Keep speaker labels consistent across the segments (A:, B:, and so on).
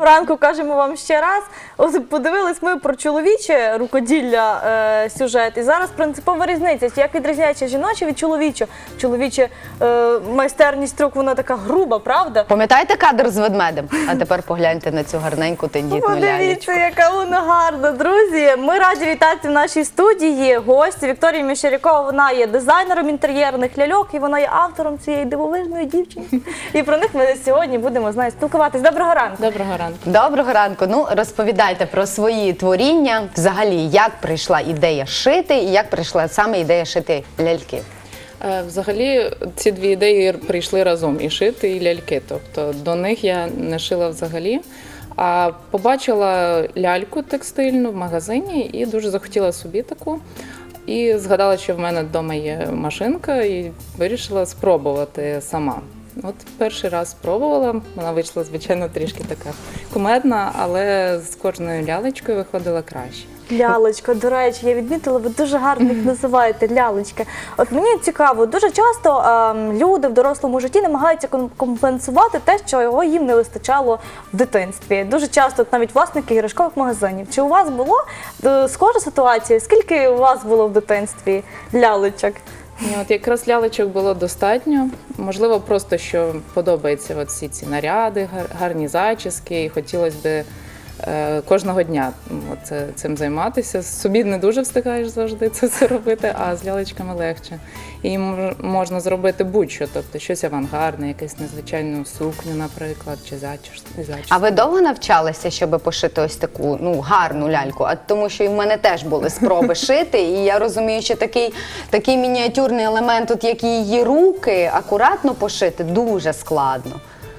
A: ранку кажемо вам ще раз. От подивились ми про чоловіче рукоділля сюжет. І зараз принципова різниця. Як відрізняється жіноче від чоловічого? Чоловіче майстерність рук, вона така груба, правда?
B: Пам'ятаєте кадр з ведмедем? А тепер погляньте на цю гарненьку тендітну лялечку.
A: Подивіться, яка вона гарна, друзі. Ми раді вітати в нашій студії гості Вікторії Мещерякова. Вона є дизайнером інтер'єрних ляльок і вона є автором цієї дивовижної дівчинки. І про них ми сьогодні будемо з нею спілкуватись. Доброго ранку.
C: Доброго ранку.
B: Доброго ранку. Ну, розповідайте про свої творіння. Взагалі, як прийшла ідея шити і як прийшла саме ідея шити ляльки?
C: Взагалі, ці дві ідеї прийшли разом, і шити, і ляльки. Тобто до них я не шила взагалі, а побачила ляльку текстильну в магазині і дуже захотіла собі таку. І згадала, що в мене вдома є машинка, і вирішила спробувати сама. От перший раз спробувала, вона вийшла, звичайно, трішки така кумедна, але з кожною лялечкою виходила краще.
A: Лялечка, до речі, я відмітила, ви дуже гарно їх називаєте, лялечки. От мені цікаво, дуже часто люди в дорослому житті намагаються компенсувати те, що їм не вистачало в дитинстві. Дуже часто навіть власники іграшкових магазинів. Чи у вас було схожа ситуація? Скільки у вас було в дитинстві лялечок?
C: От якраз лялечок було достатньо. Можливо, просто що подобаються от всі ці наряди, гарні зачіски, і хотілося б кожного дня цим займатися. Собі не дуже встигаєш завжди це робити, а з лялечками легше. І можна зробити будь-що, тобто щось авангардне, якусь незвичайну сукню, наприклад, чи зачіску.
B: А ви довго навчалися, щоб пошити ось таку гарну ляльку? А тому що і в мене теж були спроби шити, і я розумію, що такий мініатюрний елемент, от як її руки, акуратно пошити, дуже складно.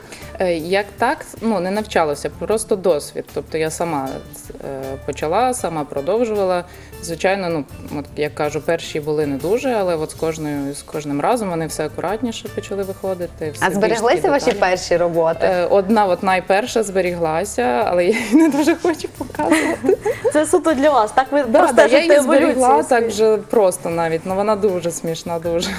C: Як так, не навчалася, просто досвід. Тобто я сама почала, сама продовжувала. Звичайно, от, як кажу, перші були не дуже, але от з кожним разом вони все акуратніше почали виходити.
B: А збереглися ваші перші роботи?
C: Одна от найперша зберіглася, але я її не дуже хочу показувати.
A: Це суто для вас, так? Ви
C: Да, я її зберігла
A: еволюцію
C: так вже просто навіть, вона дуже смішна, дуже.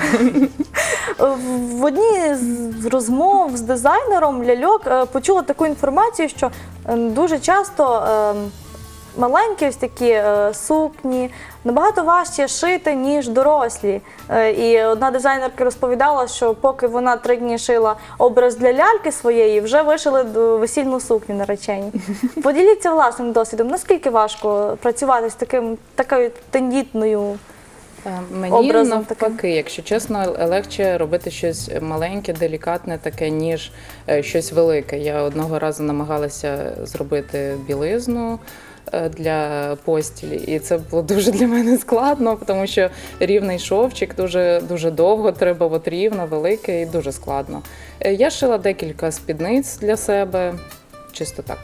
A: В одній з розмов з дизайнером ляльок почула таку інформацію, що дуже часто маленькі ось такі сукні набагато важче шити, ніж дорослі. І одна дизайнерка розповідала, що поки вона 3 дні шила образ для ляльки своєї, вже вишили весільну сукню наречені. Поділіться власним досвідом, наскільки важко працювати з такою тендітною
C: Мені навпаки, якщо чесно, легше робити щось маленьке, делікатне таке, ніж щось велике. Я одного разу намагалася зробити білизну для постілі, і це було дуже для мене складно, тому що рівний шовчик дуже довго, треба от рівно, велике і дуже складно. Я шила декілька спідниць для себе, чисто так,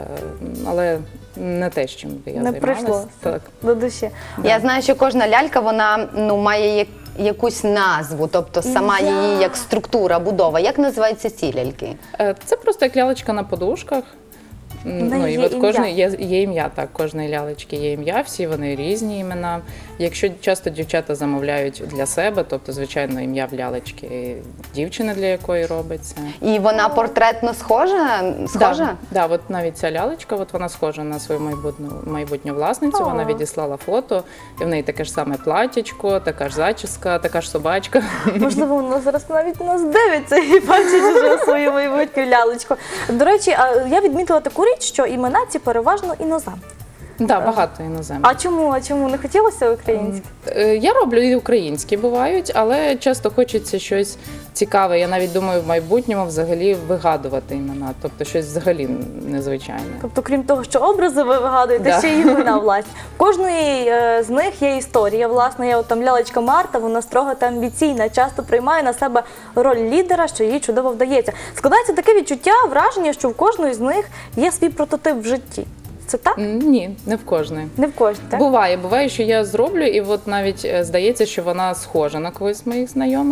C: але не те, з чим би я займалася.
A: Не прийшло до душі.
B: Я знаю, що кожна лялька, вона має якусь назву, тобто сама її як структура, будова. Як називаються ці ляльки?
C: Це просто як лялечка на подушках. І от є ім'я, так, кожної лялечки є ім'я, всі вони різні імена. Якщо часто дівчата замовляють для себе, тобто, звичайно, ім'я в лялечки дівчини, для якої робиться.
B: І вона портретно схожа?
C: Так, от навіть ця лялечка, вона схожа на свою майбутню власницю, вона відіслала фото, і в неї таке ж саме платячко, така ж зачіска, така ж собачка.
A: Можливо, вона зараз навіть нас дивиться і бачить вже свою майбутню лялечку. До речі, я відмітила таку річ, що імена ці переважно іноземні.
C: Так, багато іноземних.
A: А чому? Не хотілося українські?
C: Я роблю і українські бувають, але часто хочеться щось цікаве. Я навіть думаю в майбутньому взагалі вигадувати імена, тобто щось взагалі незвичайне.
A: Тобто, крім того, що образи ви вигадуєте, ще й імена власні. В кожної з них є історія. Власне, є там лялечка Марта, вона строга та амбіційна, часто приймає на себе роль лідера, що їй чудово вдається. Складається таке відчуття, враження, що в кожної з них є свій прототип в житті. Це так?
C: Ні, не в кожної.
A: Не в кожній, так?
C: Буває, що я зроблю, і от навіть здається, що вона схожа на когось з моїх знайомих.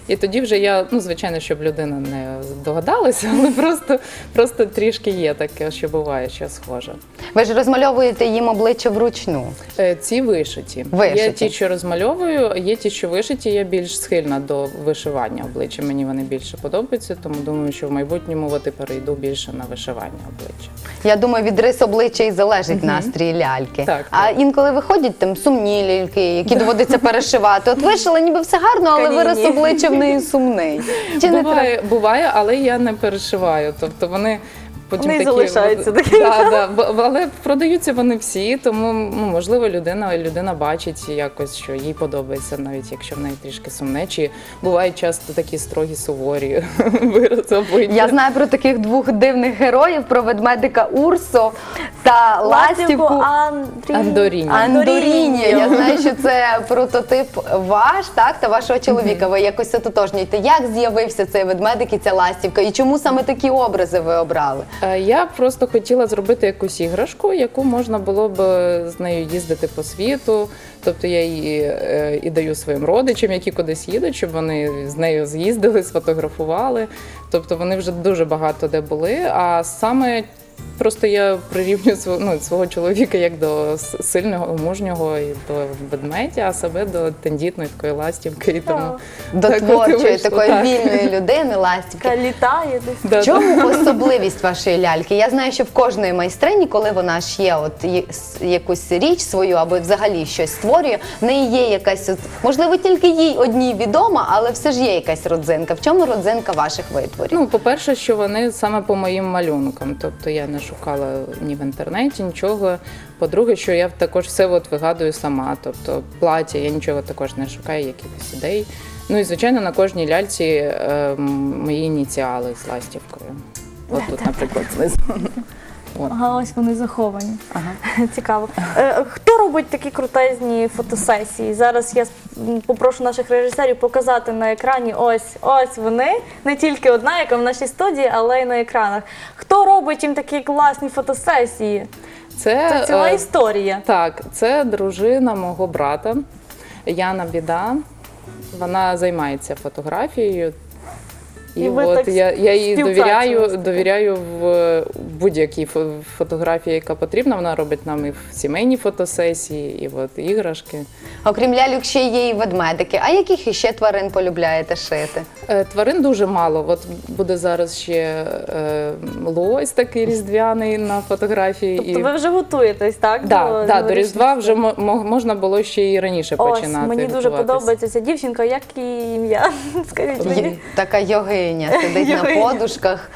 C: І тоді вже я, ну, звичайно, щоб людина не догадалася, але просто трішки є таке, що буває, що схоже.
B: Ви ж розмальовуєте їм обличчя вручну.
C: Ці вишиті.
B: Вишиті.
C: Є ті, що розмальовую, є ті, що вишиті. Я більш схильна до вишивання обличчя. Мені вони більше подобаються, тому думаю, що в майбутньому от і перейду більше на вишивання обличчя.
B: Я думаю, від рис обличчя і залежить настрій ляльки.
C: Так,
B: А
C: так.
B: інколи виходять там сумні ляльки, які доводиться перешивати. От вишила, ніби все гарно, але вираз
A: Каніні.
B: обличчя в неї сумний. Чи не треба?
C: Буває, але я не перешиваю. Тобто вони потім
A: Вони
C: такі
A: залишаються такими.
C: але продаються вони всі, тому ну, можливо людина бачить якось, що їй подобається, навіть якщо в неї трішки сумне. Чи бувають часто такі строгі, суворі вирази обличчя.
B: Я знаю про таких двох дивних героїв, про ведмедика Урсо та ластівку
C: Андоріні.
B: Андоріні. Я знаю, що це прототип ваш, так, та вашого чоловіка. Ви якось ототожнюєте. Як з'явився цей ведмедик і ця ластівка? І чому саме такі образи ви обрали?
C: Я просто хотіла зробити якусь іграшку, яку можна було б з нею їздити по світу. Тобто я її і даю своїм родичам, які кудись їдуть, щоб вони з нею з'їздили, сфотографували. Тобто вони вже дуже багато де були. А саме просто я прирівнюю свого чоловіка як до сильного, мужнього і до ведмедя, а себе до тендітної такої ластівки. І тому
B: До
C: так от і
B: творчої,
C: вийшло,
B: такої
C: так.
B: вільної людини, ластівки.
A: Яка літає десь.
C: Да,
B: В чому особливість вашої ляльки? Я знаю, що в кожної майстрині, коли вона ш'є якусь річ свою або взагалі щось створює, в неї є якась, можливо, тільки їй одній відома, але все ж є якась родзинка. В чому родзинка ваших витворів?
C: Ну, по-перше, що вони саме по моїм малюнкам. Тобто я не шукала ні в інтернеті, нічого. По-друге, що я також все вигадую сама. Тобто плаття, я нічого також не шукаю, якихось ідей. Ну і, звичайно, на кожній ляльці мої ініціали з ластівкою. От тут, наприклад, знизу. От.
A: Ага, ось вони заховані.
C: Ага.
A: Цікаво. Хто робить такі крутезні фотосесії? Зараз я попрошу наших режисерів показати на екрані ось вони. Не тільки одна, яка в нашій студії, але й на екранах. Хто робить їм такі класні фотосесії? Це ціла історія.
C: Так, це дружина мого брата Яна Біда. Вона займається фотографією. І
A: ви
C: от
A: так
C: я їй
A: співпрацюєте.
C: довіряю в будь-якій фотографії, яка потрібна. Вона робить нам і сімейні фотосесії, і от іграшки.
B: Окрім ляльок, ще є і ведмедики. А яких іще тварин полюбляєте шити?
C: Тварин дуже мало. От буде зараз ще лось такий різдвяний на фотографії.
A: Тобто ви вже готуєтесь, так?
C: До Різдва вже можна було ще і раніше починати.
A: Мені дуже
C: готуватись.
A: подобається ця дівчинка. Як її ім'я? Скажіть мені.
B: Така йогиня, сидить на
A: Йогиня.
B: подушках.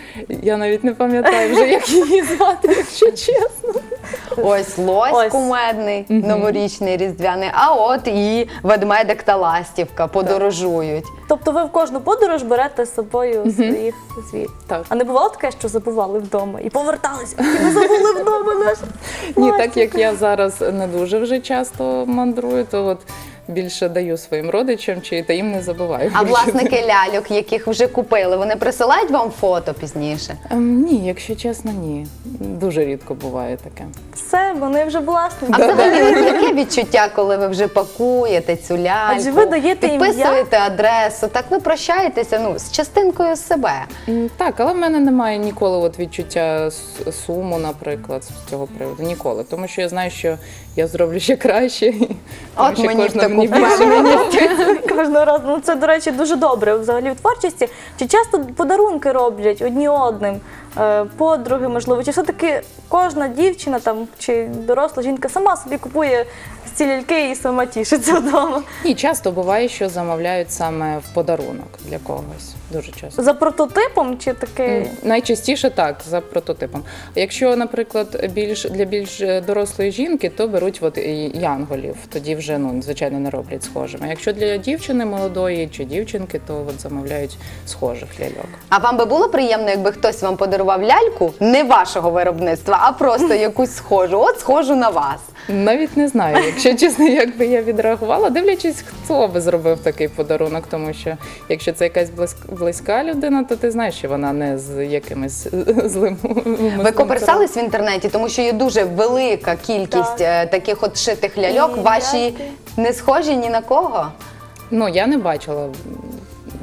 C: Я навіть не пам'ятаю вже, як її звати, якщо чесно.
B: Ось лось
A: Ось.
B: кумедний, новорічний, різдвяний, а от і ведмедик та ластівка подорожують.
A: Тобто ви в кожну подорож берете з собою своїх звірів?
C: Так.
A: А не бувало таке, що забували вдома і поверталися, і ми забули вдома наш
C: Ні,
A: ластівку?
C: так як я зараз не дуже вже часто мандрую, то от більше даю своїм родичам, та їм не забуваю.
B: А власники ляльок, яких вже купили, вони присилають вам фото пізніше?
C: Ні, якщо чесно, ні. Дуже рідко буває таке.
A: Все, вони вже власники.
B: А взагалі, от яке відчуття, коли ви вже пакуєте цю ляльку,
A: Адже ви даєте ім'я.
B: підписуєте адресу, так ви прощаєтеся з частинкою себе.
C: Так, але в мене немає ніколи от відчуття суму, наприклад, з цього приводу. Ніколи. Тому що я знаю, що я зроблю ще краще. Тому
B: От
C: що
B: мені в
C: кожна
B: таку
C: більше.
A: Кожного разу. Ну, це, до речі, дуже добре взагалі в творчості. Чи часто подарунки роблять одні одним? Подруги, можливо, чи все-таки кожна дівчина там чи доросла жінка сама собі купує ці ляльки і сама тішиться вдома?
C: І часто буває, що замовляють саме в подарунок для когось. Дуже часто.
A: За прототипом чи таке?
C: Найчастіше так, за прототипом. Якщо, наприклад, для більш дорослої жінки, то беруть от янголів. Тоді вже, звичайно, не роблять схожими. Якщо для дівчини молодої чи дівчинки, то от замовляють схожих ляльок.
B: А вам би було приємно, якби хтось вам подарував ляльку не вашого виробництва, а просто якусь схожу? От схожу на вас.
C: Навіть не знаю, якщо чесно, як би я відреагувала, дивлячись, хто би зробив такий подарунок, тому що якщо це якась близька людина, то ти знаєш, що вона не з якимось злим.
B: Ви коперсались в інтернеті, тому що є дуже велика кількість таких от шитих ляльок.
A: І
B: Ваші
A: ляльки.
B: не схожі ні на кого?
C: Я не бачила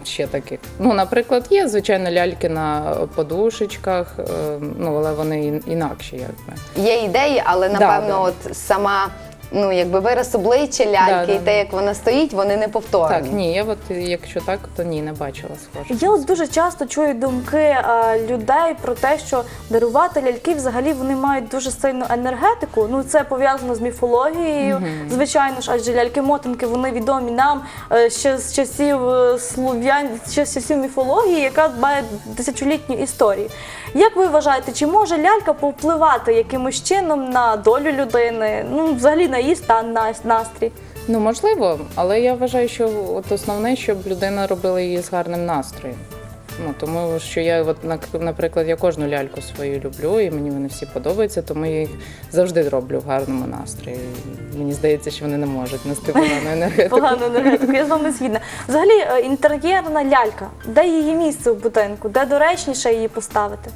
C: ще таких. Ну, наприклад, є, звичайно, ляльки на подушечках, ну, але вони інакші, якби.
B: Є ідеї, але напевно
C: Да.
B: от сама, ну якби вираз обличчя ляльки
C: Да.
B: і те, як вона стоїть, вони не повторні.
C: Так, ні, я от, якщо так, то ні, не бачила схоже.
A: Я от дуже часто чую думки людей про те, що дарувати ляльки взагалі вони мають дуже сильну енергетику. Ну це пов'язано з міфологією. Звичайно ж, адже ляльки-мотанки вони відомі нам ще з часів слов'ян, ще з часів міфології, яка має тисячолітню історію. Як ви вважаєте, чи може лялька повпливати якимось чином на долю людини, ну взагалі на її стан, настрій?
C: Ну, можливо, але я вважаю, що от основне, щоб людина робила її з гарним настроєм. Ну, тому що я, от, наприклад, я кожну ляльку свою люблю, і мені вони всі подобаються, тому я їх завжди роблю в гарному настрої. Мені здається, що вони не можуть нести погану енергетику.
A: Погану енергетику, я з вами згідна. Взагалі, інтер'єрна лялька, де її місце в будинку, де доречніше її поставити?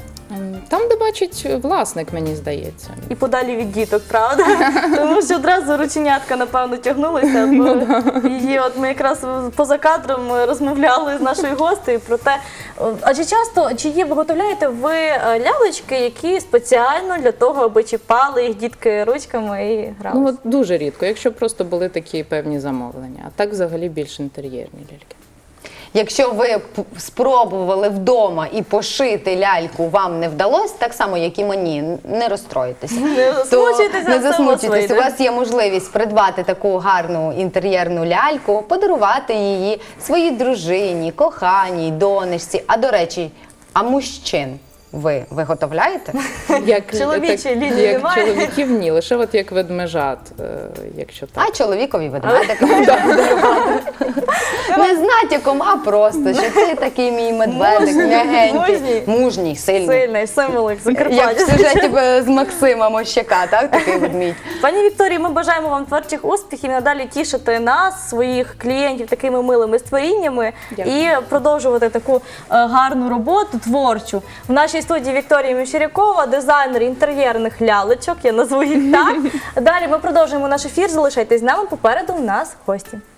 C: Там, де бачить власник, мені здається.
A: І подалі від діток, правда? Тому що одразу рученятка, напевно, тягнулися. Бо її, от ми якраз поза кадром розмовляли з нашою гостею про те, адже часто, чи виготовляєте ви лялечки, які спеціально для того, аби чіпали їх дітки ручками і грали?
C: Ну, от дуже рідко, якщо просто були такі певні замовлення. А так взагалі більш інтер'єрні ляльки.
B: Якщо ви спробували вдома і пошити ляльку, вам не вдалося, так само, як і мені, не розстроїтеся.
A: Не засмучуйтеся,
B: Не
A: все у вас
B: засмучуйтесь.
A: вийде.
B: У вас є можливість придбати таку гарну інтер'єрну ляльку, подарувати її своїй дружині, коханій, донечці. А до речі, а мужчин ви виготовляєте?
C: Як,
A: Чоловічої лінії
C: як
A: немає?
C: чоловіків ні, лише от як ведмежат, якщо так.
B: А чоловікові ведмедика можна подарувати. Не з натяком, а просто, що ти такий мій медведик, м'ягенький, мужній, сильний.
A: Сильний символ, як
B: Як в
A: Закарпаття.
B: сюжеті з Максима Мощака, так? Такий ведмідь.
A: Пані Вікторії, ми бажаємо вам творчих успіхів і надалі тішити нас, своїх клієнтів такими милими створіннями.
C: Дякую.
A: І продовжувати таку гарну роботу творчу. В нашій студії Вікторія Мещерякова, дизайнер інтер'єрних лялечок, я назву їх так. Далі ми продовжуємо наш ефір, залишайтесь з нами, попереду у нас гості.